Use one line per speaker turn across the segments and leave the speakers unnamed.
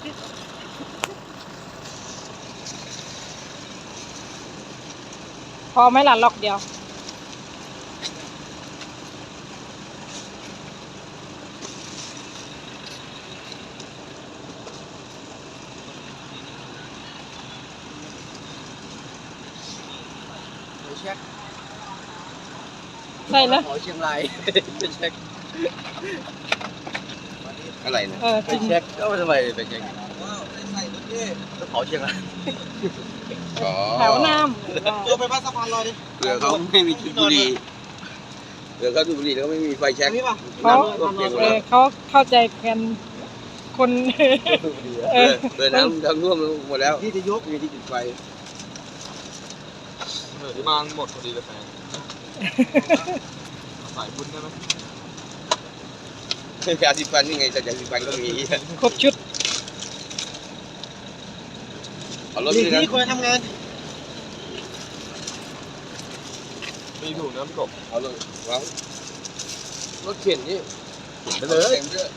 พอไหมล่ะล็อกเดียว
เช็ค
ใช่นะ
ขอเชียงรายไปเช็คอะไรนะไปเช็คก็ทำไมไปเช็คก็ขอเชียงราย
แถวน้ำ
ตัวไปพัดสะพานลอยดิเรือเขาไม่มีจุดบุหรี่เรือเขาจุดบุหรี่แล้วก็ไม่มีไฟแช็ก
เขาเข้าใจกันคน
เรือน้ำท่วมหมดแล้วที่จะยกมีที่จุดไฟที่บ้านหมดพอดีเลยแฟนสายบุญได้ไหมยาสีฟันนี่ไงแต่ยาสีฟันก็มี
ครบชุด
เอารถนี่คนทำงานมีถูกน้ำกบเอารถวางรถเข็นนี่ไปเลย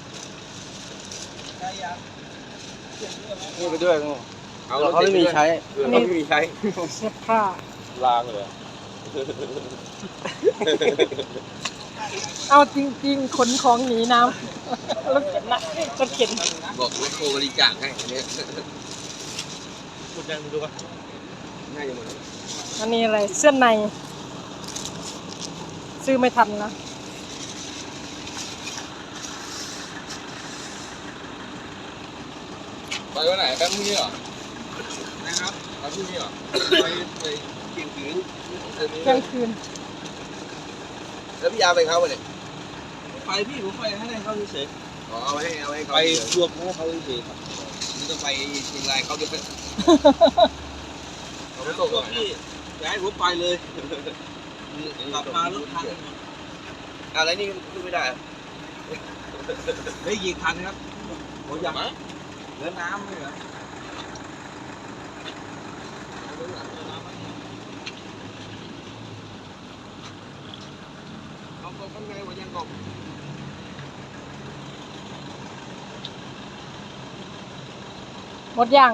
นี่ไปด้วยเอาเขาไม่มีใช้เขาไม่มีใช้
เสื้อผ้า
ลางเลย
เอาจริงๆขนของหนีน้ำรถเข็นนะรถเข็น
บอกรถโคบริจาคให้อันนี้คุณแดงดูป่ะง่ายจังหมด
อันนี้อะไรเสื้อในซื้อไม่ทันนะ
ไปวันไหนไปพรุ่งนี้เหรอนะครับไปพรุ่งนี้เหรอไปเที่ยงคืนแล้วพี่ยาไปเขาเนี่ยไปพี่ผมไปให้เขาเฉยอ๋อเอาให้เขาไปรวมให้เขาเฉยครับนี่ต้องไปเชียงรายเขาจะไปเขาไม่ตกพี่ย้ายผมไปเลยกลับมารถทันอะไรนี่ขึ้นไม่ได้ได้ยิงทันครับโอ้ยยังเรือน้ำเลยเหรอเอากบข้างในว่ายังกบ
หมดยัง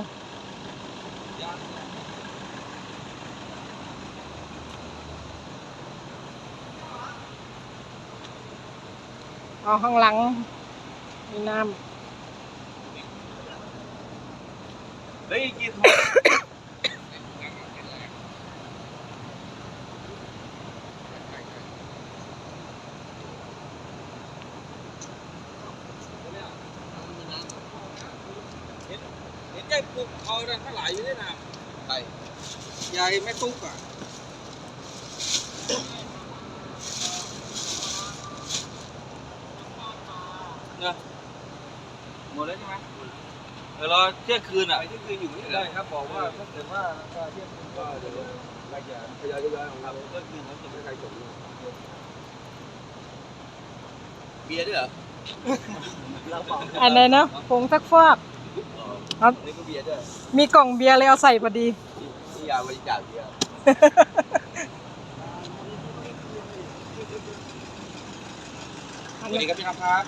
เอาข้างหลังมีน้ำ
เฮ้ยกินยายปลุกเอาอะไรทั้งหลายอยู่ด้วยนะใช่ยายไม่ตุ๊กอ่ะเนี่ยหมดแล้วใช่ไหมเดี๋ยวรอเที่ยงคืนอ่ะเที่ยงคืนอยู่ได้ครับบอกว่าถ้าเกิดว่าเที่ยงคืนก็เดี๋ยวรายการทยอยของเราเที่ยงคืนเขาจะไม่ใครจบเบียร์ด้วยเหรอ
อะไรนะผงซักฟอกครับมีกล่องเบียร์เลยเอาใส่พอดี
นี่ยาบริจาคเบียร์สวัสดีครับพี่น้องครับ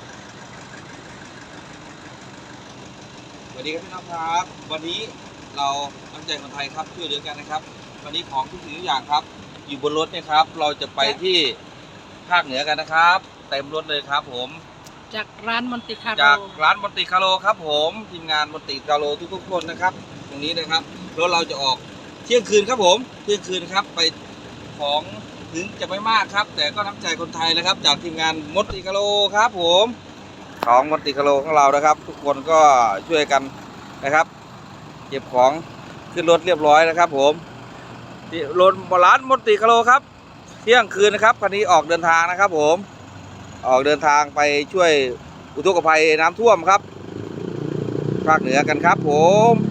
สวัสดีครับพี่น้องครับวันนี้เราน้ำใจคนไทยครับช่วยเหลือกันนะครับวันนี้ของทุกสิ่งทุกอย่างครับอยู่บนรถเนี่ยครับเราจะไปที่ภาคเหนือกันนะครับเต็มรถเลยครับผม
จากร้านมอนติคา
โลครับผมทีมงานมอนติคาโลทุกคนนะครับตรงนี้นะครับรถเราจะออกเที่ยงคืนครับผมเที่ยงคืนครับไปของถึงจะไม่มากครับแต่ก็น้ำใจคนไทยนะครับจากทีมงานมอนติคาโลครับผมของมอนติคาโลของเรานะครับทุกคนก็ช่วยกันนะครับเก็บของขึ้นรถเรียบร้อยนะครับผมที่รถร้านมอนติคาโลครับเที่ยงคืนนะครับคันนี้ออกเดินทางนะครับผมออกเดินทางไปช่วยอุทกภัยน้ำท่วมครับภาคเหนือกันครับผม